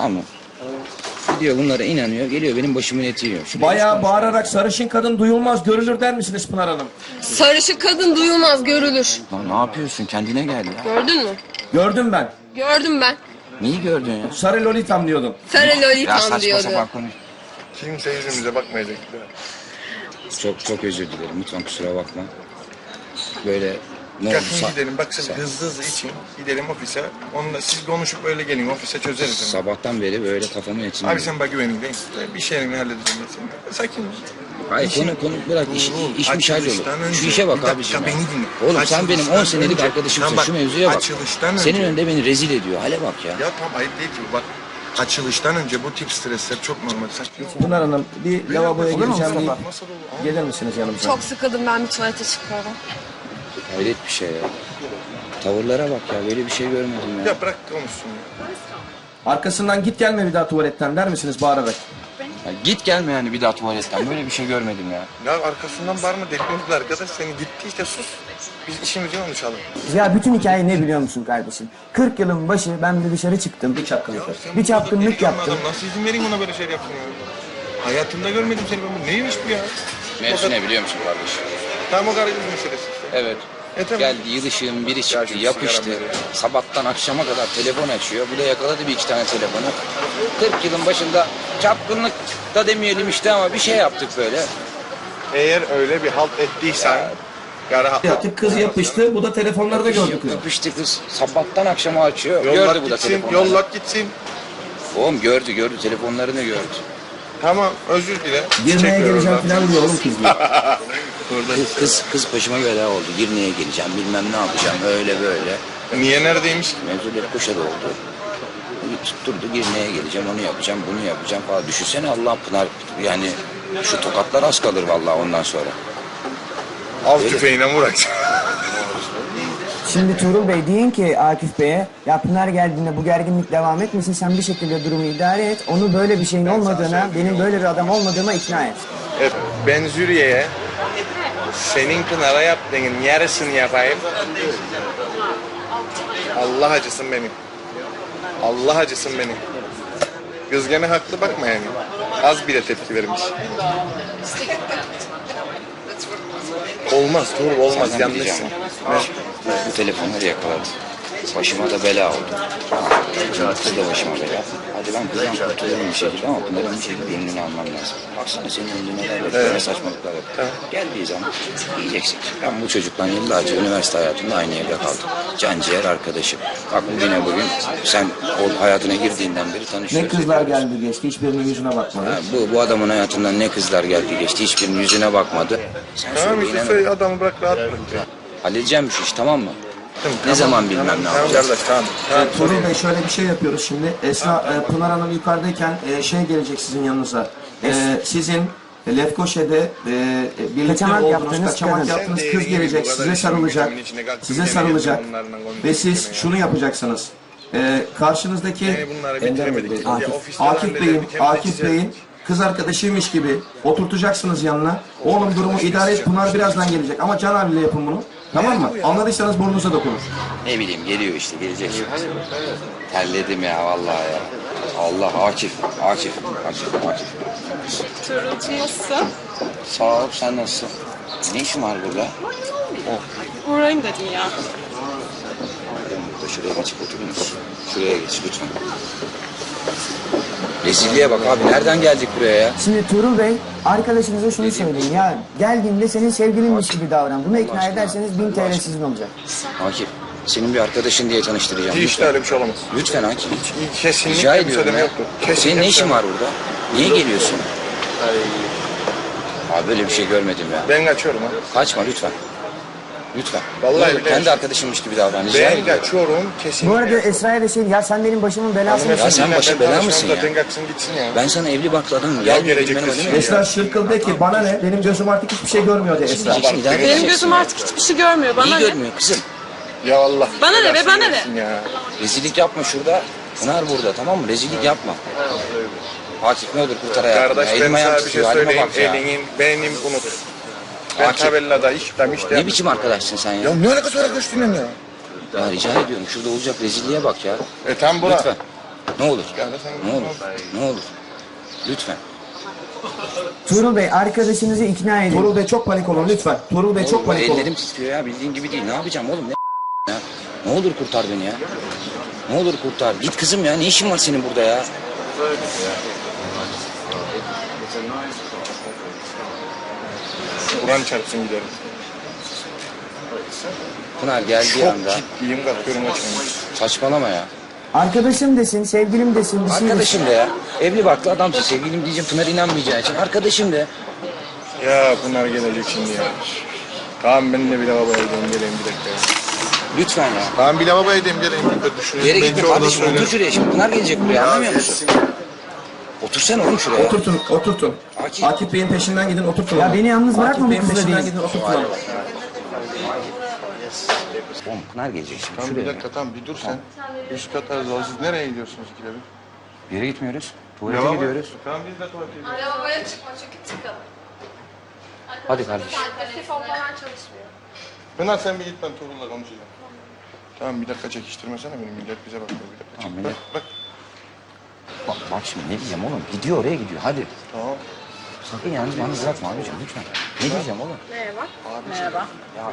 Tamam mı? Gidiyor bunlara inanıyor. Geliyor benim başımın eti yiyor. Bayağı bağırarak sarışın kadın duyulmaz görülür der misiniz Pınar Hanım? Sarışık kadın duyulmaz, görülür. Lan ne yapıyorsun? Kendine gel ya. Gördün mü? Gördüm ben. Gördüm ben. Neyi gördün ya? Sarı lolitam diyordum. Sarı Ya lolitam saçma diyordu. sapan konuş. Kimse yüzümüze bakmayacak. Çok özür dilerim. Lütfen kusura bakma. Böyle ne Kalkın olursa... gidelim. Bak siz hızlı için gidelim ofise. Onunla siz konuşup öyle gelin ofise çözeriz. Sabahtan beri böyle kafamın etini... Abi sen bak güvenin değil. Bir şeyini halledeceğim ben seni. Sakin ol. Hayır konu bırak işmiş hallolur. Açılıştan önce- Şu işe bak Bir dakika, abiciğim. ya. beni dinle. Oğlum sen benim 10 senelik önce- arkadaşımsın. Tamam bak, Şu mevzuya bak. açılıştan Senin önce- önünde beni rezil ediyor. Hale bak ya. Ya tam ayıp değil ki bu. Bak açılıştan önce bu tip stresler çok normal. Sen Pınar Hanım bir lavaboya Olur mu gireceğim deyip Mustafa? Nasıl olur? gelir misiniz yanımıza? Çok sıkıldım, ben bir tuvalete çıkıyorum. Hayret bir şey ya. Tavırlara bak ya. Böyle bir şey görmedim ya. Ya bırak konuşsun ya. Arkasından git gelme bir daha tuvaletten der misiniz bağırarak? Ya git gelme yani bir daha tuvaletten. Böyle bir şey görmedim ya. Ya arkasından bağırma delirtmedi arkadaş. Seni gitti işte sus. Biz işimizi konuşalım. Ya bütün hikaye ne biliyor musun kardeşim? 40 yılın başı ben de dışarı çıktım. Bir çapkınlık. Sen Bir bu çapkınlık delikanlı yaptım. adam, nasıl izin vereyim ona böyle şey yapsın ya? Hayatımda görmedim seni ben. Bu neymiş bu ya? Mevzu ne biliyor musun kardeşim? Tam o garajın meselesi işte. Evet. Tamam. Geldi yılışığın biri çıktı, şu yapıştı. sigaram veriyor. Sabahtan akşama kadar telefon açıyor. Bu da yakaladı bir iki tane telefonu. 40 yılın başında çapkınlık da demeyelim işte ama bir şey yaptık böyle. Eğer öyle bir halt ettiysen... Gara Yaptık kız yapıştı. Bu da telefonları da gördü kız. Yapıştı kız. Sabahtan akşama açıyor. Yollat Gördü bu da gitsin, telefonları. yollat gitsin. Oğlum gördü. Telefonlarını gördü. Tamam özür dile. Girmeye Çiçek ver geleceğim oradan. falan diyor oğlum kız diyor. Kız başıma bela oldu. Girne'ye geleceğim, bilmem ne yapacağım. Öyle böyle. Niye neredeymiş ki? Mevzuları kuşa doldu. Tutturdu Girne'ye geleceğim, onu yapacağım, bunu yapacağım falan. Düşünsene Allah Pınar, yani şu tokatlar az kalır vallahi ondan sonra. Av tüfeğine vur. Şimdi Tuğrul Bey deyin ki Akif Bey'e ya Pınar geldiğinde bu gerginlik devam etmesin, sen bir şekilde durumu idare et. Onu böyle bir şeyin olmadığına, benim böyle bir adam olmadığıma ikna et. Evet, ben Züriye'ye senin Pınar'a yaptığının yarısını yapayım. Allah acısın benim. Allah acısın benim. Kız gene haklı bakma yani. Az bile tepki vermiş. Olmaz Tuğrul olmaz Senden yanlışsın. bileceğim ama. Bu telefonları yakaladı. Başıma da bela oldu. Kız da başıma bela. Hadi ben kızdan kurtulurum bir şekilde ama Pınar'ın bir şekilde önünü almam lazım. Baksana senin önünde neler var, ne saçmalıklar var. Geldiği zaman diyeceksin ki ben bu çocukla yıllarca üniversite hayatında aynı evde kaldım. Canciğer arkadaşım. Bak bugün sen o hayatına girdiğinden beri tanışıyoruz. Ne kızlar geldi geçti hiçbirinin yüzüne bakmadı. Ha, bu adamın hayatından ne kızlar geldi geçti. Hiçbirinin yüzüne bakmadı. Sen Tamam söyle, işte inanırım. söyle adamı bırak rahat bırak. Halledeceğim şu iş tamam mı? Tamam, Ne zaman bilmem tamam, ne tamam, yapacağız. kardeş tamam. Tamam, Tuğrul Bey şöyle bir şey yapıyoruz şimdi. Pınar Hanım yukarıdayken şey gelecek sizin yanınıza. Sizin Lefkoşa'da birlikte Kaçamak olduğunuz, yaptığınız kaçamak kadın. yaptığınız Sen de kız iyi gibi gelecek, bu kadar size işin sarılacak. gücünün içine kalkıp Size yemin sarılacak. ediyorum onlarla konuşuyorum Ve siz ya. şunu yapacaksınız. Karşınızdaki Yani bunları bitiremedik. Bey, Ya ofiste halledelim, Akif Bey'in kız arkadaşıymış gibi oturtacaksınız yanına. Oğlum durumu idare et, Pınar birazdan gelecek ama can havliyle yapın bunu. Tamam mı? Anladıysanız burnunuza dokunur. Ne bileyim geliyor işte gelecek şimdi. Terledim ya vallahi ya. Allah Akif. Turulcu nasılsın? Sağ ol sen nasılsın? Ne işin var burada? Uğrayayım dedim ya. Burada şuraya geçip oturur musun? Şuraya geç lütfen. Rezilliğe bak abi nereden geldik buraya ya? Şimdi Tuğrul Bey arkadaşınıza şunu söyleyin ya geldiğinde senin sevgilinmiş gibi davran. Bunu ikna ederseniz 1000 TL sizin olacak. Akif senin bir arkadaşın diye tanıştıracağım. Hiç de öyle bir şey olamaz. Lütfen Akif. Kesinlikle Rica bir ediyorum söyleme ya. yoktur. Senin ne işin var burada? Niye geliyorsun? Abi böyle bir şey görmedim ya. Ben kaçıyorum ha. Kaçma lütfen. Lütfen. Vallahi Ne olur, billahi. kendi arkadaşımmış gibi davran. Rica Ben ediyorum. kaçıyorum kesinlikle. Bu arada Esra'ya da şey ya sen benim başımın belası Ya sen başı bela mısın ya? Zaten kaçsın gitsin ya. Ben sana evli barklı adamım. Ya Gelmiyor gelecek bilmem kız ne. Esra Şırkıl de ki bana ne? Benim gözüm artık hiçbir şey görmüyor de Esra. Diyeceksin, idare Benim edeceksin gözüm ya. artık hiçbir şey görmüyor. Bana İyi ne? görmüyor kızım. Ya Allah. Bana ne be, belasını bana ne? versin Ya. Rezillik yapma şurada. Pınar burada tamam mı? Rezillik yapma. Akif ne olur kurtar hayatımı. Kardeş Elim ben ayağım sana bir şey titriyor, halime söyleyeyim. bak ya. Elinin benim unut. Ben Akif. tabellada iştem işte. Ne biçim arkadaşsın sen ya? Ya ne alakası var arkadaşımla ya? Ya rica ediyorum şurada olacak rezilliğe bak ya. Tam bura. Lütfen. Ne olur. Ya da sen- Ne olur. Ne olur. Lütfen. Tuğrul Bey arkadaşınızı ikna edin. Tuğrul Bey çok panik olun lütfen. Tuğrul Bey çok Oğlum, panik olun. ellerim titriyor ya, bildiğin gibi değil. Ne yapacağım oğlum, ne ya? Ne olur kurtar beni ya. Ne olur kurtar. Git kızım ya, ne işin var senin burada ya? Kur'an çarpsın giderim. Pınar geldiği Çok anda ciddiyim, kalkıyorum açıyorum. saçmalama ya. Arkadaşım desin, sevgilim desin, bir şey desin. Arkadaşım de ya. Evli barklı adamsın, sevgilim diyeceğim, Pınar inanmayacağı için. Arkadaşım de. Ya bunlar gelecek şimdi ya. Tamam ben de bir lavaboya gideyim geleyim bir dakika ya. Lütfen ya. Tamam bir lavaboya gideyim geleyim bir dakika düşünüyorum. Yere Belki gitme orada kardeşim, söylerim. otur şuraya şimdi. Pınar gelecek buraya, anlamıyor musun? geçsin ya. Otursana oğlum şuraya. Oturtun, oturtun. Akif. Akif Bey'in peşinden gidin, oturtun. Ya onu. beni yalnız bırakma bu Akif Bey'in kızla peşinden değil. gidin, oturtun. onu. Oğlum Pınar gelecek şimdi Tamam bir şuraya. dakika tamam bir dur sen. Üst kata siz nereye gidiyorsunuz ikide bir? Bir yere gitmiyoruz. Tuvalete gidiyoruz. Tamam biz de tuvalete gidiyoruz. Lavaboya çıkma çünkü tıkalı. Hadi kardeşim. Telefon falan çalışmıyor. Pınar sen bir git ben Tuğrul'la konuşacağım. Tamam bir dakika çekiştirmesene beni millet bize bakıyor bir dakika. Tamam, Çek. millet- Bak. Bak şimdi ne diyeceğim oğlum? Gidiyor oraya gidiyor, hadi. Tamam. Sakın yalnız bana bırakma abicim lütfen. Ne diyeceğim oğlum? Merhaba. Merhaba. Ya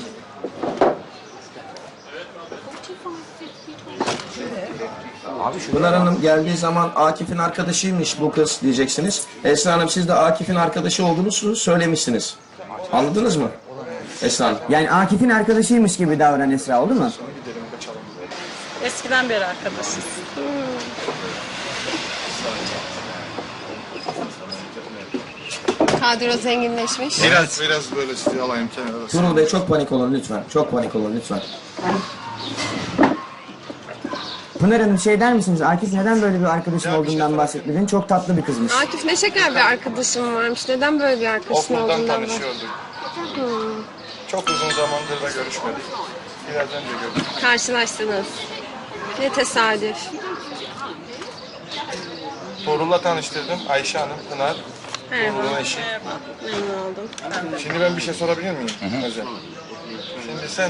Abi şu Pınar Hanım geldiği zaman Akif'in arkadaşıymış bu kız diyeceksiniz. Esra Hanım siz de Akif'in arkadaşı olduğunuzu söylemişsiniz. Anladınız mı? Esra Hanım. Yani Akif'in arkadaşıymış gibi davran Esra, oldu mu? Eskiden beri arkadaşız. Kadro zenginleşmiş. Biraz böyle sizi alayım kenara. Tuğrul Bey çok panik olun lütfen. Çok panik olun lütfen. Pınar Hanım şey der misiniz? Akif neden böyle bir arkadaşın Ya bir şey olduğundan sorayım. bahsetmedin? Çok tatlı bir kızmış. Akif ne şeker bir arkadaşım varmış. Neden böyle bir arkadaşın Okuldan olduğundan bahsediyor? tanışıyorduk. Çok uzun zamandır da görüşmedik. Biraz önce gördük. Karşılaştınız. Ne tesadüf. Tuğrul'la tanıştırdım. Ayşe Hanım, Pınar. Merhaba. Tuğrul'un eşi. Memnun oldum. Şimdi ben bir şey sorabilir miyim? Özel. Şimdi sen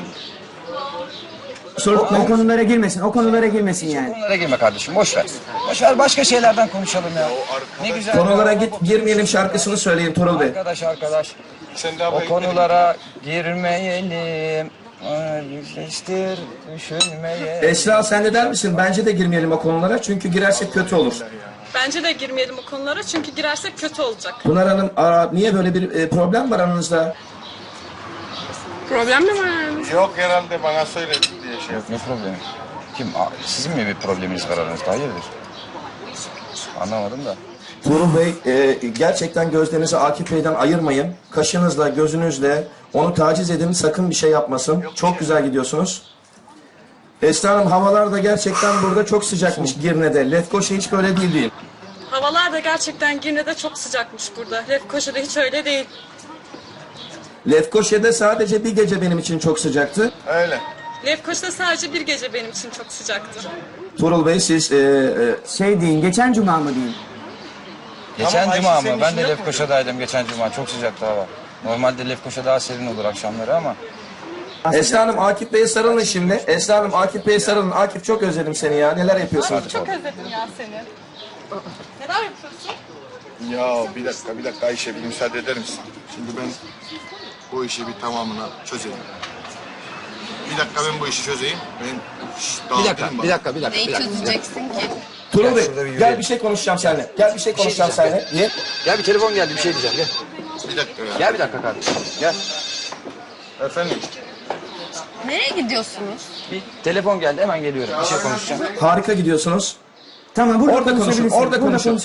O konulara girmesin, o konulara girmesin yani. konulara girme kardeşim, boş ver. Boş ver, başka şeylerden konuşalım ya. Ne güzel. Konulara girmeyelim şarkısını söyleyin Tuğrul Bey. Arkadaş. sen daha O konulara girmeyelim. Yüzleştir, düşünmeyelim. Esra sen de der misin? Bence de girmeyelim o konulara çünkü girersek kötü olur. Bence de girmeyelim o konulara çünkü girersek kötü olacak. Pınar Hanım niye böyle bir problem var aranızda? Problem mi var aranızda? Yok herhalde bana söyledi diye şey Yok, ne problemi? Kim? Sizin mi bir probleminiz var aranızda? Hayırdır? Anlamadım da. Tuğrul Bey gerçekten gözlerinizi Akif Bey'den ayırmayın. Kaşınızla, gözünüzle onu taciz edin. Sakın bir şey yapmasın. Çok güzel gidiyorsunuz. Esra Hanım havalar da gerçekten burada çok sıcakmış Girne'de. Lefkoşa hiç böyle değil. Havalar da gerçekten Girne'de çok sıcakmış burada. Lefkoşa'da hiç öyle değil. Lefkoşa'da sadece bir gece benim için çok sıcaktı. Öyle. Lefkoşa'da sadece bir gece benim için çok sıcaktı. Tuğrul Bey siz Şey deyin, geçen cuma mı deyin? Geçen Ayşe cuma senin mı? Ben işin de yok mu? Lefkoşa'daydım geçen cuma. Çok sıcaktı hava. Normalde Lefkoşa daha serin olur akşamları ama. Esra Hanım Akif Bey'e sarılın şimdi. Esra Hanım Akif Bey'e sarılın. Akif çok özledim seni ya. Neler yapıyorsun? Çok özledim ya seni. Neler yapıyorsun? Ya bir dakika Ayşe bir müsaade eder misin? Şimdi ben bu işi bir tamamına çözeyim. Bir dakika ben bu işi çözeyim. Ben Bir dakika. Neyi çözeceksin ki? Tuğrul Gel Bey şurada bir gel yürüyelim. bir şey konuşacağım seninle. Gel bir şey konuşacağım seninle. Niye? Gel bir telefon geldi, bir şey diyeceğim. Gel. Bir dakika ya. Gel bir dakika kardeşim. Gel. Efendim? Nereye gidiyorsunuz? Bir telefon geldi, hemen geliyorum. Bir şey konuşacağım. Harika gidiyorsunuz. Tamam, burada Orada konuşun, konuşabilirsin. orada Burada konuşun.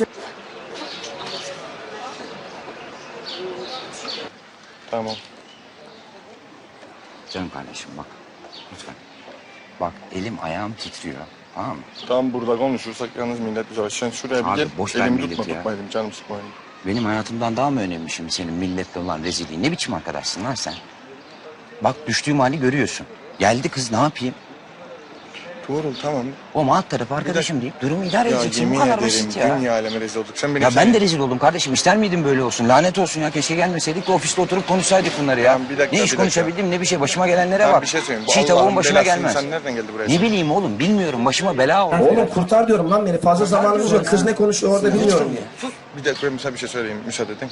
Tamam. Canım kardeşim bak. Lütfen. Bak elim ayağım titriyor. Tamam mı? Tam burada konuşursak yalnız millet bize sen şuraya bir Abi, gel. boş ver Elimi milleti tutma ya. tutmayalım canım sıkmayalım. Benim hayatımdan daha mı önemli şimdi senin milletle olan rezilliğin? Ne biçim arkadaşsın lan sen? Bak düştüğüm hali görüyorsun. Geldi kız, ne yapayım? Tuğrul tamam. O alt tarafı arkadaşım deyip durumu idare Ya edeceksin. yemin Bu kadar ederim basit ya. dünya aleme rezil olduk. Sen benim Ya ben de rezil oldum kardeşim. İster miydin böyle olsun? Lanet olsun ya. Keşke gelmeseydik de ofiste oturup konuşsaydık bunları ya. Tamam, bir dakika, ne bir iş dakika. konuşabildim ne bir şey. Başıma gelenlere Tamam, bak. bir şey söyleyeyim. Bu Çiğ Allah'ın tavuğun başıma belası gelmez. insan nereden geldi buraya? Ne bileyim oğlum bilmiyorum. Başıma bela oldu. Oğlum kurtar diyorum lan beni. Fazla zamanımız yok. Kız ne konuşuyor orada bilmiyorum ya. Bir dakika ben sana bir şey söyleyeyim. Müsaade edin.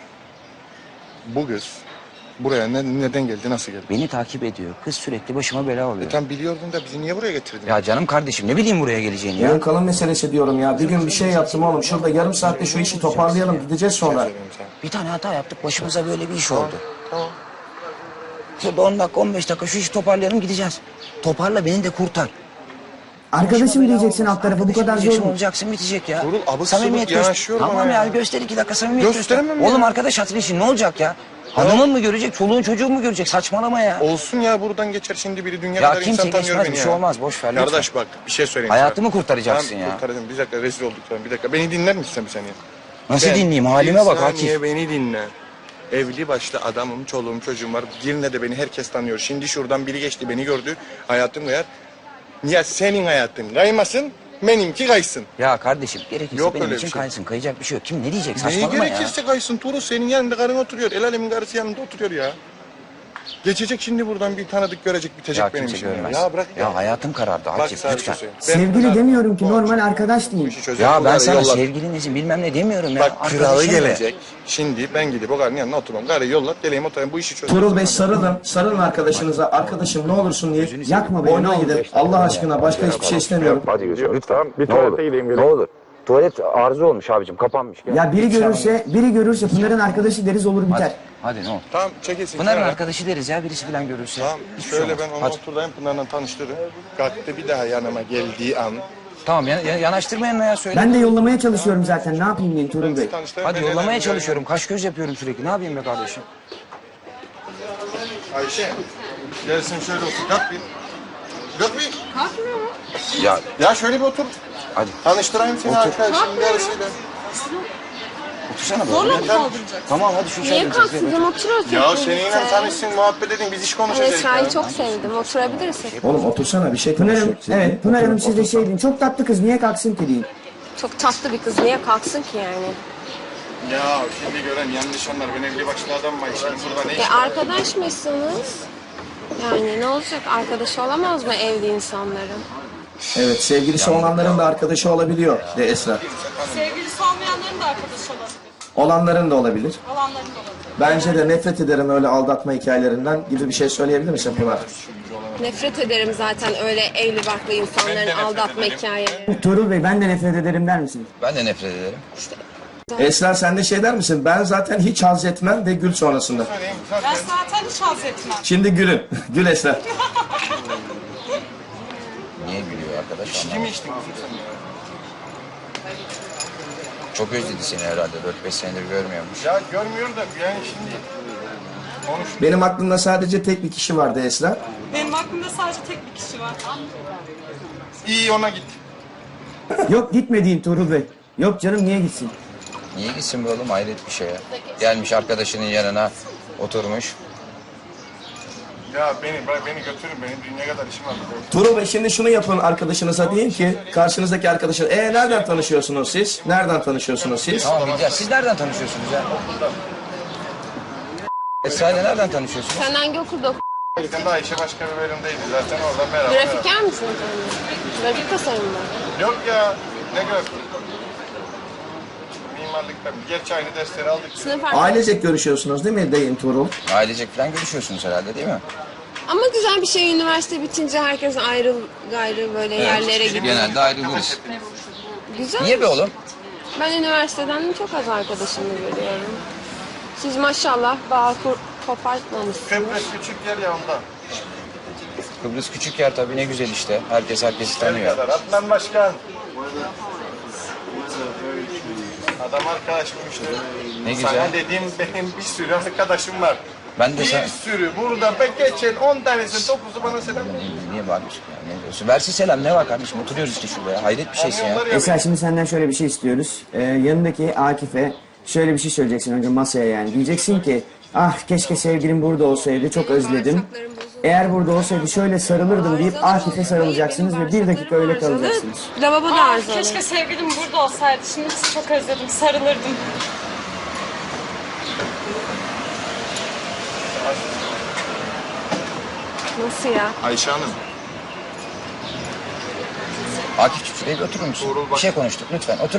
Bu kız buraya neden geldi, nasıl geldi? Beni takip ediyor. Kız sürekli başıma bela oluyor. Tam biliyordun da bizi niye buraya getirdin? Ya canım kardeşim ne bileyim buraya geleceğini ya. Yarın kalın meselesi diyorum ya. Bir gün bir şey yaptım oğlum. Şurada yarım saatte şu işi toparlayalım. Gideceğiz sonra. Söyleyeyim sana. Bir tane hata yaptık. Başımıza böyle bir iş oldu. Tamam. Şurada 10 dakika 15 dakika şu işi toparlayalım gideceğiz. Toparla beni de kurtar. Arkadaşım diyeceksin alt tarafı bu kadar zor Diyeceksin, mu? olacaksın bitecek ya. Oğlum, abuk Samimiyet sabuk yanaşıyor bana Tamam ya. ya göster 2 dakika samimiyet göster. Gösteremem ya. Oğlum arkadaş hatırı için ne olacak ya? Hanımın mı görecek, çoluğun çocuğun mu görecek? Saçmalama ya. Olsun ya, buradan geçer şimdi biri, dünya Ya kadar kimse insan tanıyor geçmez, beni bir ya. şey olmaz, boş ver lütfen. Kardeş bak bir şey söyleyeyim Hayatımı sana. kurtaracaksın Tamam, ya. kurtaracağım. Bir dakika rezil olduk sana. Bir dakika beni dinler misin sen bir saniye? Nasıl Ben- dinleyeyim? Halime bak Bir saniye Akif. beni dinle. Evli başlı adamım, çoluğum, çocuğum var. Girne de beni herkes tanıyor. Şimdi şuradan biri geçti, beni gördü. Hayatım kayar. Ya senin hayatın kaymasın, benimki kaysın. Ya kardeşim gerekirse Yok benim öyle için bir şey. kaysın. Kayacak bir şey yok. Kim ne diyecek? Neyi Saçmalama ya. gerekirse kaysın. Tuğrul senin yanında karın oturuyor. El alemin karısı yanında oturuyor ya. Geçecek şimdi buradan bir tanıdık görecek, bitecek Ya benim kimse işim. görmez. Ya bırak ya. Ya hayatım karardı Bak Akif sana bir şey lütfen. söyleyeyim. Sevgili demiyorum ki normal arkadaş Bu diyeyim. işi çözelim. Ya ben Bunları sana yollar. sevgilinizi bilmem ne demiyorum ya. Bak kralı Arkadaşım ya. gelecek. Şimdi ben gidip o karının yanına oturmam. Karıyı yollat geleyim oturayım, bu işi çözelim. Tuğrul Bey sarılın. Sarılın arkadaşınıza. Arkadaşım ne olursun diye. Yakma beni, ne Oyuna olur. gidin. Allah aşkına başka hiçbir şey istemiyorum. Hadi gözüm lütfen. Tamam, bir tuvalete gideyim. Ne olur. Tuvalet arıza olmuş abicim kapanmış. Gel. Ya biri görürse Pınar'ın arkadaşı deriz olur biter. Hadi ne olur. Tamam çekilsin. Pınar'ın kenara. arkadaşı deriz ya birisi falan görürse. Tamam Hiçbir şey şöyle olmaz. ben onu Hadi. oturdayım, Pınar'la tanıştırırım. Kalktı bir daha yanıma geldiği an. Tamam yanaştırma yanına ya söyle. Ben de yollamaya çalışıyorum zaten. Ne yapayım diyeyim Tuğrul Bey? Tanıştırırım, Hadi ben yollamaya neler çalışıyorum. Kaş göz yapıyorum sürekli. Ne yapayım be kardeşim? Ayşe gelsin şöyle otur. Kalk bir. Kalk bir. Ya Ya şöyle bir otur. hadi Tanıştırayım seni arkadaşımın yarısıyla. otursana böyle. Zorla mı Hadi. kaldıracak? Tamam hadi şu Niye içeri otur. kalksın? Oturuyoruz. Ya hep seninle birlikte. tanışsın, muhabbet edin, biz iş konuşacağız. Esra'yı ya. çok sevdim. Oturabiliriz hep. Oğlum otursana bir şey Pınar'ım, konuşuyoruz. evet Pınar Hanım siz de şey deyin. Çok tatlı kız niye kalksın ki deyin. Çok tatlı bir kız. Niye kalksın ki yani? Ya şimdi gören yanlış anlar. Ben evli başlı adam var. Şimdi burada ne iş? Arkadaş mısınız? Yani ne olacak? Arkadaşı olamaz mı evli insanların? Evet sevgilisi olanların da arkadaşı olabiliyor de Esra. Sevgilisi olmayanların da arkadaşı olabilir. Olanların da olabilir. Olanların da olabilir. Bence de nefret ederim öyle aldatma hikayelerinden gibi bir şey söyleyebilir misin Pınar? Nefret ederim zaten öyle evli barklı insanların aldatma hikayeleri. Tuğrul Bey ben de nefret ederim der misiniz? Ben de nefret ederim. Esra sen de şey der misin? Ben zaten hiç haz etmem de gül sonrasında. Ben zaten hiç haz etmem. Şimdi gülün. Gül Esra. Niye gülüyor arkadaş? İçki mi içtin kızım sen ya? Çok özledi seni herhalde. 4-5 senedir görmüyormuş. Ya görmüyor da yani şimdi konuş. Benim aklımda sadece tek bir kişi vardı Esra. Benim aklımda sadece tek bir kişi var. İyi ona git. Yok gitme deyin Tuğrul Bey. Yok canım niye gitsin? Niye gitsin be oğlum? Hayret bir şey ya. Gelmiş arkadaşının yanına oturmuş. Ya beni götürün, benim dünya kadar işim var. Tuğrul Bey şimdi şunu yapın arkadaşınıza deyin ki karşınızdaki arkadaşın nereden tanışıyorsunuz siz? Nereden tanışıyorsunuz siz? Tamam ya siz nereden tanışıyorsunuz ya? Esra ile nereden tanışıyorsunuz? Sen hangi okulda Sen de Ayşe başka bir bölümdeydi zaten oradan beraber. Grafiker misin sen? Grafik tasarım mı? Yok ya ne grafik? Mimarlıkta. Gerçi aynı dersleri aldık. Sınıf Ailecek görüşüyorsunuz değil mi deyin Tuğrul? Ailecek falan görüşüyorsunuz herhalde değil mi? Ama güzel bir şey üniversite bitince herkes ayrı gayrı böyle yerlere gidiyor. Genelde ayrılırız. Güzel. Niye be oğlum? Ben üniversiteden çok az arkadaşımı görüyorum. Siz maşallah bağ kopartmamışsınız. Kıbrıs küçük yer ya ondan. Kıbrıs küçük yer tabii ne güzel işte. Herkes herkesi Ne tanıyor. kadar? Adnan Başkan. Adam arkadaşım işte. Ne güzel. Sana dediğim benim bir sürü arkadaşım var. Ben de Bir sen... sürü. Burada geçen 10 tanesi 9'u bana selam. Niye bağırıyorsun ya? Ne diyorsun? Versin selam ne var kardeşim? Oturuyoruz işte şurada ya. Hayret bir şeysin ya. Kamyonlar ya. Esra şimdi senden şöyle bir şey istiyoruz. Yanındaki Akif'e şöyle bir şey söyleyeceksin önce masaya yani. Diyeceksin ki ah keşke sevgilim burada olsaydı çok özledim. Bağırsaklarım bozuldu. Eğer burada olsaydı şöyle sarılırdım deyip Akif'e sarılacaksınız ve 1 dakika öyle kalacaksınız. Lavabo da arızalı. Keşke sevgilim burada olsaydı. Şimdi sizi çok özledim. Sarılırdım. Nasıl ya? Ayşe Hanım. Akif'ciğim şuraya bir oturur musun? Bir şey konuştuk lütfen. Otur.